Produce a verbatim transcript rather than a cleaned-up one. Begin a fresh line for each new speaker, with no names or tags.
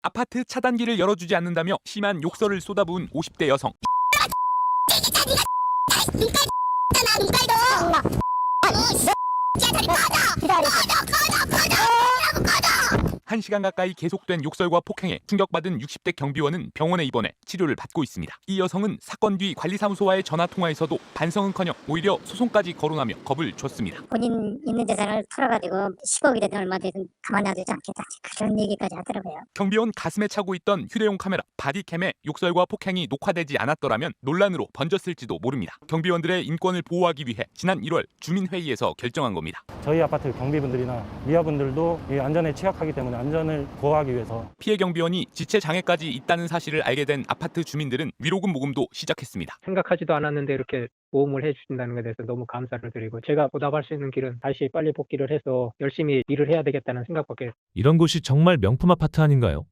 아파트 차단기를 열어주지 않는다며 심한 욕설을 쏟아부은 오십 대 여성. 한 시간 가까이 계속된 욕설과 폭행에 충격받은 육십 대 경비원은 병원에 입원해 치료를 받고 있습니다. 이 여성은 사건 뒤 관리사무소와의 전화통화에서도 반성은커녕 오히려 소송까지 거론하며 겁을 줬습니다.
본인 있는 재산을 털어가지고 십억이 되든 얼마 되든 가만 놔두지 않겠다, 그런 얘기까지 하더라고요.
경비원 가슴에 차고 있던 휴대용 카메라 바디캠에 욕설과 폭행이 녹화되지 않았더라면 논란으로 번졌을지도 모릅니다. 경비원들의 인권을 보호하기 위해 지난 일월 주민회의에서 결정한 겁니다.
저희 아파트 경비분들이나 미화분들도 이 안전에 취약하기 때문에 안전을 보호하기 위해서
피해 경비원이 지체 장애까지 있다는 사실을 알게 된 아파트 주민들은 위로금 모금도 시작했습니다.
생각하지도 않았는데 이렇게 모험을 해주신다는 것에 대해서 너무 감사를 드리고, 제가 보답할 수 있는 길은 다시 빨리 복귀를 해서 열심히 일을 해야 되겠다는 생각밖에.
이런 곳이 정말 명품 아파트 아닌가요?